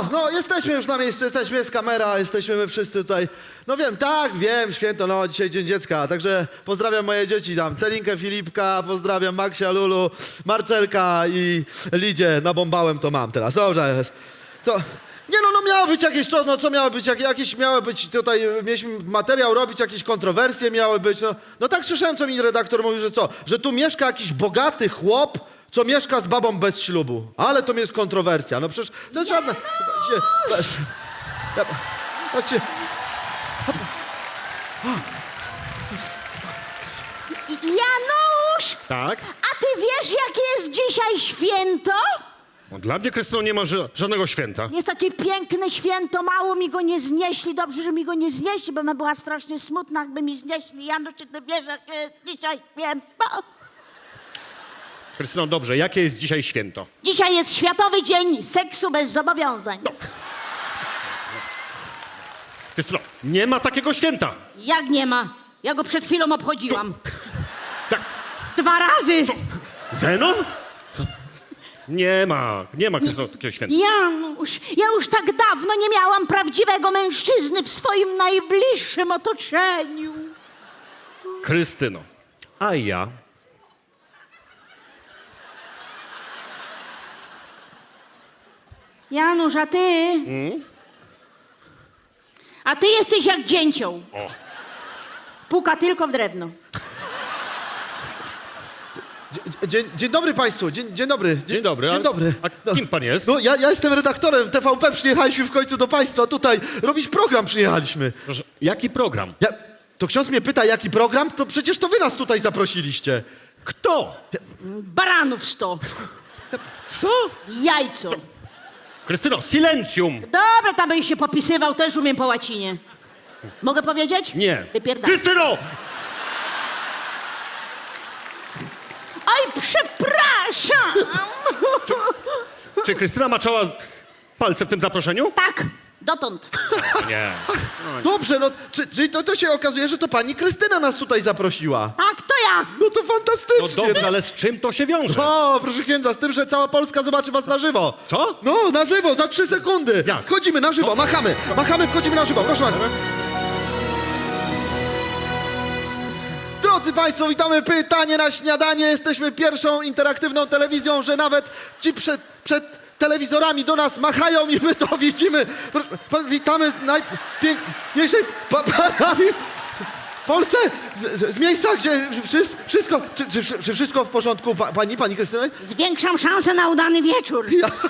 No, jesteśmy już na miejscu, jesteśmy, jest kamera, jesteśmy my wszyscy tutaj. No wiem, tak, wiem, święto, no, dzisiaj Dzień Dziecka, także pozdrawiam moje dzieci tam, Celinkę, Filipka, pozdrawiam Maksia, Lulu, Marcelka i Lidzie, nabombałem to mam teraz, dobrze jest. To... Nie no, miało być jakieś, co miało być, jakieś miało być tutaj, mieliśmy materiał robić, jakieś kontrowersje miały być, no tak słyszałem, co mi redaktor mówił, że co, że tu mieszka jakiś bogaty chłop, co mieszka z babą bez ślubu, ale to jest kontrowersja, no przecież to jest żadna... Patrzcie, Janusz! Tak? A ty wiesz, jakie jest dzisiaj święto? No, dla mnie, Krystyno, nie ma żadnego święta. Jest takie piękne święto, mało mi go nie znieśli. Dobrze, że mi go nie znieśli, bo bym była strasznie smutna, jakby mi znieśli. Janusz, czy ty wiesz, jakie jest dzisiaj święto? Krystyno, dobrze, jakie jest dzisiaj święto? Dzisiaj jest Światowy Dzień Seksu bez Zobowiązań. Krystyno, nie ma takiego święta. Jak nie ma? Ja go przed chwilą obchodziłam. Tak. 2 razy! Zenon? Nie ma, Krystyno, takiego święta. Janusz, ja już tak dawno nie miałam prawdziwego mężczyzny w swoim najbliższym otoczeniu. Krystyno, a ja? Janusz, a ty? A ty jesteś jak dzięcioł. O. Puka tylko w drewno. dzień dobry państwu, dzień dobry. Dzień dobry. Dzień dobry. A kim pan jest? No, ja jestem redaktorem TVP, przyjechaliśmy w końcu do państwa, tutaj robić program przyjechaliśmy. Proszę, jaki program? To ksiądz mnie pyta, jaki program? To przecież to wy nas tutaj zaprosiliście. Kto? Baranów 100. Co? Jajco. Krystyno, silencium! Dobra, tam byś się popisywał, też umiem po łacinie. Mogę powiedzieć? Nie. Wypierdam. Krystyno! Oj, przepraszam! Czy Krystyna maczała palce w tym zaproszeniu? Tak, dotąd. Nie. Dobrze, no, czyli to się okazuje, że to pani Krystyna nas tutaj zaprosiła. Tak, to ja. No to No fantastycznie. dobrze, ale z czym to się wiąże? O, proszę księdza, z tym, że cała Polska zobaczy was na żywo. Co? No, na żywo, za 3 sekundy. Jak? Wchodzimy na żywo, machamy, wchodzimy na żywo, proszę bardzo. Drodzy państwo, witamy Pytanie na śniadanie. Jesteśmy pierwszą interaktywną telewizją, że nawet ci przed telewizorami do nas machają i my to widzimy. Witamy w najpiękniejszej parafii w Polsce, z miejsca, gdzie wszystko, czy wszystko w porządku, pani Krystyna? Zwiększam szansę na udany wieczór.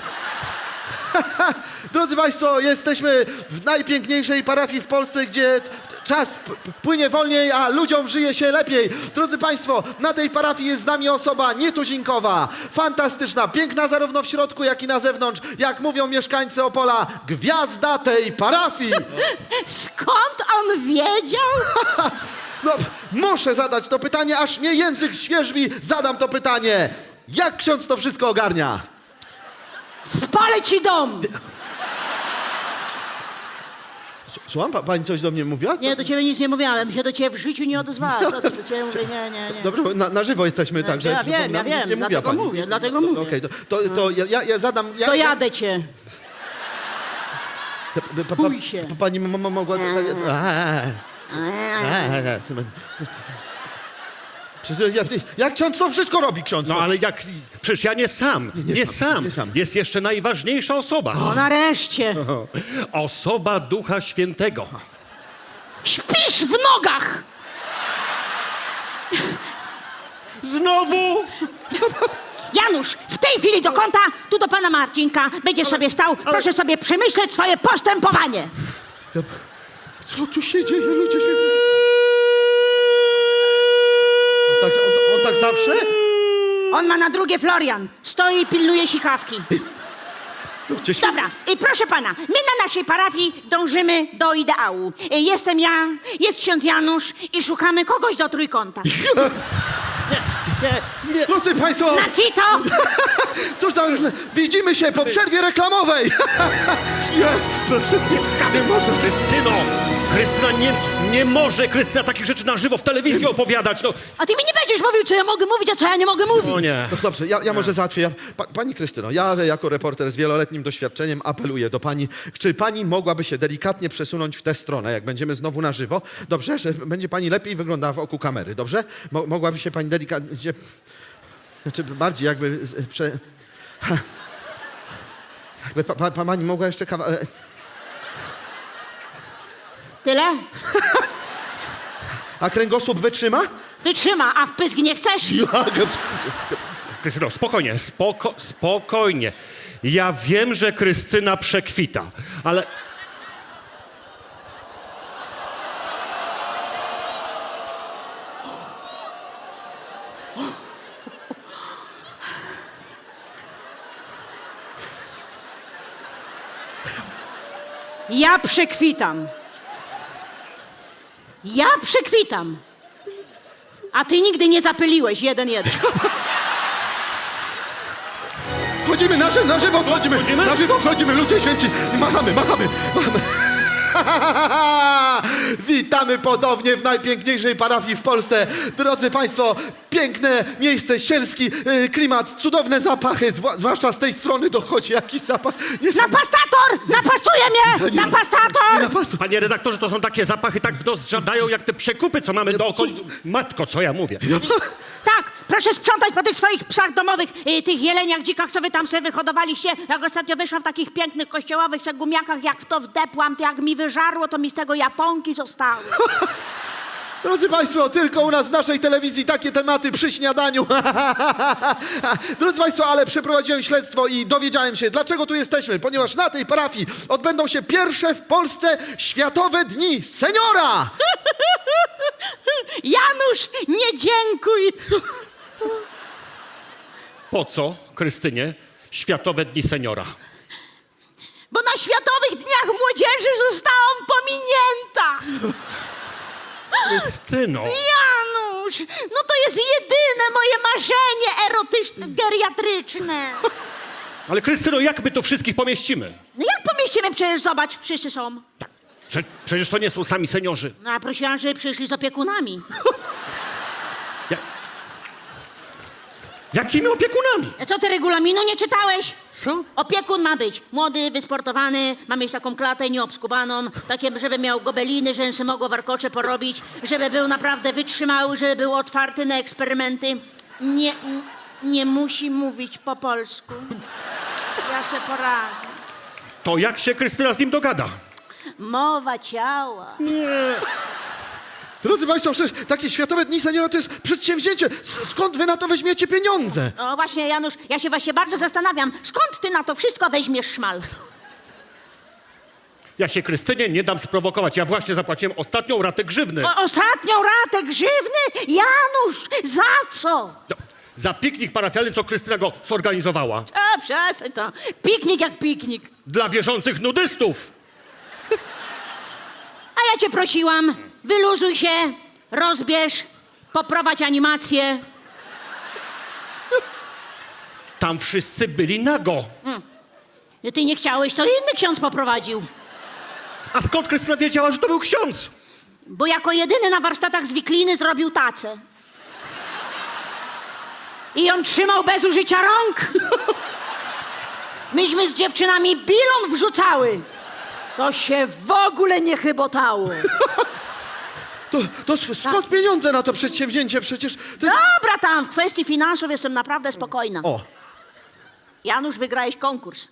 Drodzy państwo, jesteśmy w najpiękniejszej parafii w Polsce, gdzie czas płynie wolniej, a ludziom żyje się lepiej. Drodzy państwo, na tej parafii jest z nami osoba nietuzinkowa, fantastyczna, piękna zarówno w środku, jak i na zewnątrz. Jak mówią mieszkańcy Opola, gwiazda tej parafii. Skąd on wiedział? No, muszę zadać to pytanie, aż mnie język świerzbi. Zadam to pytanie. Jak ksiądz to wszystko ogarnia? Spalę ci dom! Słucham, pani coś do mnie mówiła? Co? Nie, do ciebie nic nie mówiłem, się do ciebie w życiu nie odezwała. Co ty do ciebie mówię? Nie. Dobrze, na żywo jesteśmy, także... Ja wiem, nic nie mówiła dlatego pani. mówię. Okej, to ja zadam... To jadę cię. Bój się. Pani mogła... Jak ksiądz to wszystko robi, ksiądz? No ale jak... Przecież ja nie sam. Nie sam. Jest jeszcze najważniejsza osoba. No nareszcie. Osoba Ducha Świętego. Śpisz w nogach! Znowu? Janusz, w tej chwili do kąta, tu do pana Marcinka. Będziesz sobie stał, proszę sobie przemyśleć swoje postępowanie. Co tu się dzieje, ludzie się... On tak zawsze? On ma na drugie Florian. Stoi i pilnuje sikawki. Dobra, i proszę pana, my na naszej parafii dążymy do ideału. Jestem ja, jest ksiądz Janusz i szukamy kogoś do trójkąta. Nie. Drodzy państwo, Na cito! cóż tam, widzimy się po przerwie reklamowej. Jest, proszę. Nie można, Krystyno! Krystyna nie może, Krystyna, takich rzeczy na żywo w telewizji opowiadać, no. A ty mi nie będziesz mówił, co ja mogę mówić, a co ja nie mogę mówić. O nie. No dobrze, ja może załatwię. Pani Krystyno, ja jako reporter z wieloletnim doświadczeniem apeluję do pani, czy pani mogłaby się delikatnie przesunąć w tę stronę, jak będziemy znowu na żywo? Dobrze, że będzie pani lepiej wyglądała w oku kamery, dobrze? Mogłaby się pani delikatnie... Znaczy bardziej jakby... Jakby pani mogła jeszcze Tyle? A kręgosłup wytrzyma? Wytrzyma, a w pysk nie chcesz? Krystyno, spokojnie, spokojnie. Ja wiem, że Krystyna przekwita, ale... Ja przekwitam. Ja przekwitam. A ty nigdy nie zapyliłeś 1-1. Wchodzimy, na żywo wchodzimy! Na żywo wchodzimy, ludzie święci! I machamy! Witamy ponownie w najpiękniejszej parafii w Polsce. Drodzy Państwo, piękne miejsce, sielski klimat, cudowne zapachy, zwłaszcza z tej strony dochodzi jakiś zapach. Napastator! Napastuje mnie! Napastator! Panie redaktorze, to są takie zapachy tak w nos żadają, jak te przekupy, co mamy do okolic. Matko, co ja mówię? Tak, proszę sprzątać po tych swoich psach domowych, tych jeleniach, dzikach, co wy tam sobie wyhodowaliście. Jak ostatnio wyszłam w takich pięknych kościołowych se gumiakach, jak w to wdepłam, to jak mi wyżarło, to mi z tego japonki zostały. Drodzy Państwo, tylko u nas w naszej telewizji takie tematy przy śniadaniu. Drodzy Państwo, ale przeprowadziłem śledztwo i dowiedziałem się, dlaczego tu jesteśmy. Ponieważ na tej parafii odbędą się pierwsze w Polsce Światowe Dni Seniora. Janusz, nie dziękuj! Po co, Krystynie, Światowe Dni Seniora? Bo na Światowych Dniach Młodzieży zostałam pominięta! Krystyno! Janusz, no to jest jedyne moje marzenie erotyczne, geriatryczne. Ale Krystyno, jak my tu wszystkich pomieścimy? No jak pomieścimy? Przecież zobacz, wszyscy są. Tak, przecież to nie są sami seniorzy. No a prosiłam, żeby przyszli z opiekunami. Jakimi opiekunami? A co, ty regulaminu nie czytałeś? Co? Opiekun ma być młody, wysportowany, ma mieć taką klatę nieobskubaną, takie, żeby miał gobeliny, żeby się mogło warkocze porobić, żeby był naprawdę wytrzymały, żeby był otwarty na eksperymenty. Nie musi mówić po polsku. Ja se poradzę. To jak się Krystyna z nim dogada? Mowa ciała. Drodzy Państwo, przecież takie Światowe Dni Seniora to jest przedsięwzięcie. Skąd wy na to weźmiecie pieniądze? No właśnie, Janusz, ja się właśnie bardzo zastanawiam, skąd ty na to wszystko weźmiesz szmal? Ja się Krystynie nie dam sprowokować. Ja właśnie zapłaciłem ostatnią ratę grzywny. Ostatnią ratę grzywny? Janusz, za co? No, za piknik parafialny, co Krystyna go zorganizowała. A, przestań to. Piknik jak piknik. Dla wierzących nudystów. A ja cię prosiłam, wyluzuj się, rozbierz, poprowadź animację. Tam wszyscy byli nago. Ty nie chciałeś, to inny ksiądz poprowadził. A skąd Krystyna wiedziała, że to był ksiądz? Bo jako jedyny na warsztatach z wikliny zrobił tacę. I ją trzymał bez użycia rąk. Myśmy z dziewczynami bilon wrzucały. To się w ogóle nie chybotało. To skąd pieniądze na to przedsięwzięcie? Przecież to jest... Dobra, tam w kwestii finansów jestem naprawdę spokojna. O, Janusz, wygrałeś konkurs.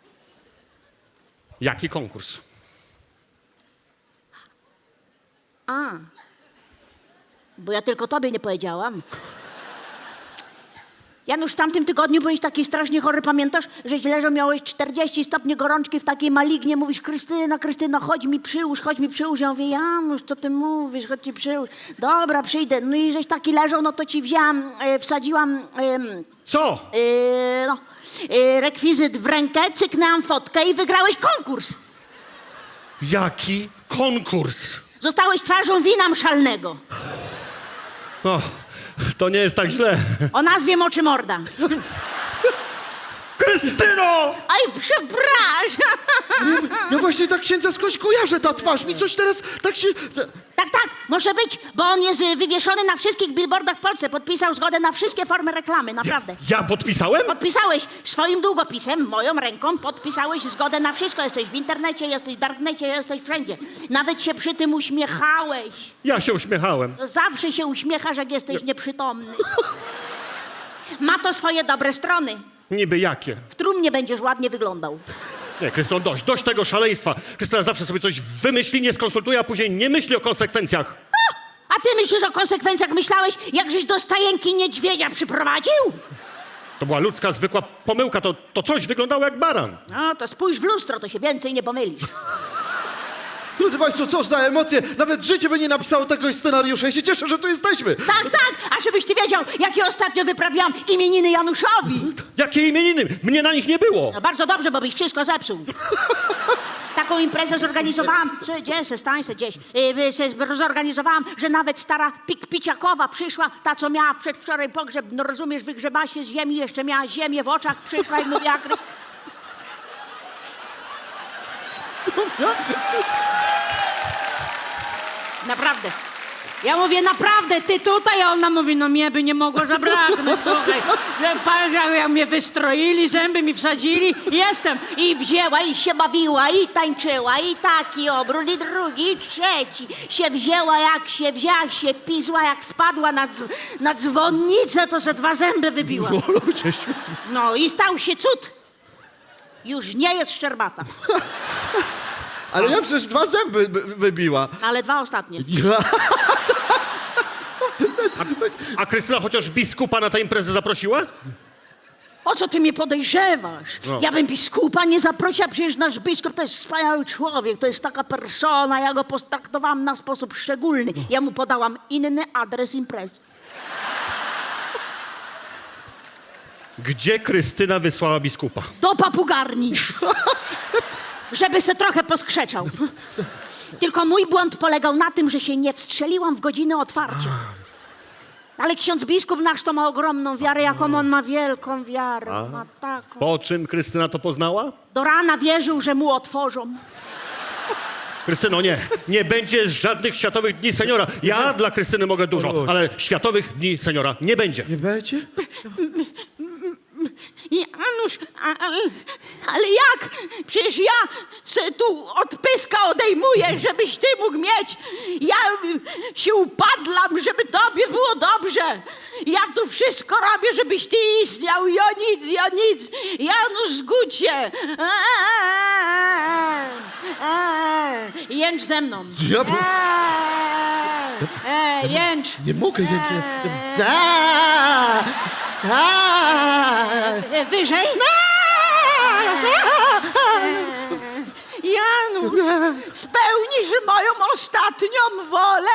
Jaki konkurs? Bo ja tylko tobie nie powiedziałam. Janusz, w tamtym tygodniu byłeś taki strasznie chory, pamiętasz? Żeś leżał, miałeś 40 stopni gorączki w takiej malignie. Mówisz, Krystyna, chodź mi przyłóż. Ja mówię, Janusz, co ty mówisz, chodź ci przyłóż. Dobra, przyjdę. No i żeś taki leżał, no to ci wzięłam, wsadziłam... Co? rekwizyt w rękę, cyknęłam fotkę i wygrałeś konkurs. Jaki konkurs? Zostałeś twarzą wina mszalnego. O, to nie jest tak źle. O nazwie Moczy Morda. Krystyna! Krystyno! Aj, przepraszam. Ja właśnie tak księdza skądś kojarzę, ta twarz mi coś teraz tak się... Tak, może być, bo on jest wywieszony na wszystkich billboardach w Polsce. Podpisał zgodę na wszystkie formy reklamy, naprawdę. Ja podpisałem? Podpisałeś swoim długopisem, moją ręką, podpisałeś zgodę na wszystko. Jesteś w internecie, jesteś w darknecie, jesteś wszędzie. Nawet się przy tym uśmiechałeś. Ja się uśmiechałem. Zawsze się uśmiechasz, jak jesteś nieprzytomny. Ma to swoje dobre strony. Niby jakie? W trumnie będziesz ładnie wyglądał. Nie, Krystyno, dość tego szaleństwa. Krystyna zawsze sobie coś wymyśli, nie skonsultuje, a później nie myśli o konsekwencjach. A ty myślisz o konsekwencjach? Myślałeś, jak żeś do stajenki niedźwiedzia przyprowadził? To była ludzka, zwykła pomyłka, to coś wyglądało jak baran. No, to spójrz w lustro, to się więcej nie pomylisz. Drodzy Państwo, cóż za emocje. Nawet życie by nie napisało tego scenariusza. Ja się cieszę, że tu jesteśmy. Tak, a żebyś ty wiedział, jakie ostatnio wyprawiałam imieniny Januszowi. Jakie imieniny? Mnie na nich nie było. No bardzo dobrze, bo byś wszystko zepsuł. Taką imprezę zorganizowałam, stań se gdzieś, zorganizowałam, że nawet stara Piciakowa przyszła, ta co miała przedwczoraj pogrzeb, no rozumiesz, wygrzebała się z ziemi, jeszcze miała ziemię w oczach, przyszła i mówiła, Naprawdę. Ja mówię, naprawdę, ty tutaj? A ona mówi, no mnie by nie mogło zabraknąć, słuchaj. Jak mnie wystroili, zęby mi wsadzili, jestem. I wzięła, i się bawiła, i tańczyła, i taki obrót, i drugi, i trzeci. Się wzięła, jak się wzięła, się pizła, jak spadła na dzwonnicę, to ze 2 zęby wybiła. O, ludzie świetni. No i stał się cud. Już nie jest szczerbata, Ale ja przecież 2 zęby wybiła. ale 2 ostatnie. A Krystyna chociaż biskupa na tę imprezę zaprosiła? O co ty mnie podejrzewasz? Ja bym biskupa nie zaprosiła, przecież nasz biskup to jest wspaniały człowiek, to jest taka persona, ja go potraktowałam na sposób szczególny. Ja mu podałam inny adres imprezy. Gdzie Krystyna wysłała biskupa? Do papugarni, żeby se trochę poskrzeczał. Tylko mój błąd polegał na tym, że się nie wstrzeliłam w godzinę otwarcia. Ale ksiądz biskup nasz to ma ogromną wiarę, jaką on ma wielką wiarę. Ma taką. Po czym Krystyna to poznała? Do rana wierzył, że mu otworzą. Krystyno, nie będzie żadnych Światowych Dni Seniora. Ja dla Krystyny mogę dużo, ale Światowych Dni Seniora nie będzie. Nie będzie? Janusz, ale jak? Przecież ja se tu od pyska odejmuję, żebyś ty mógł mieć. Ja się upadlam, żeby tobie było dobrze. Ja tu wszystko robię, żebyś ty istniał. Ja nic. Janusz, zgódź się. Jęcz ze mną. Jęcz. Nie mogę więcej. Wyżej. Janu, spełnisz moją ostatnią wolę.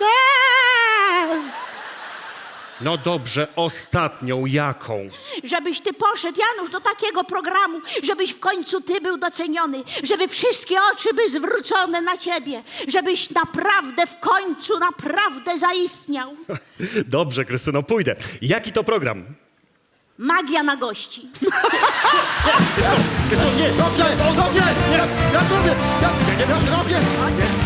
No dobrze, ostatnią jaką? Żebyś ty poszedł, Janusz, do takiego programu, żebyś w końcu ty był doceniony, żeby wszystkie oczy były zwrócone na ciebie, żebyś naprawdę w końcu naprawdę zaistniał. Dobrze, Krystyno, pójdę. Jaki to program? Magia na gości. Krystyno, nie! Dobrze, ja zrobię! Ja zrobię!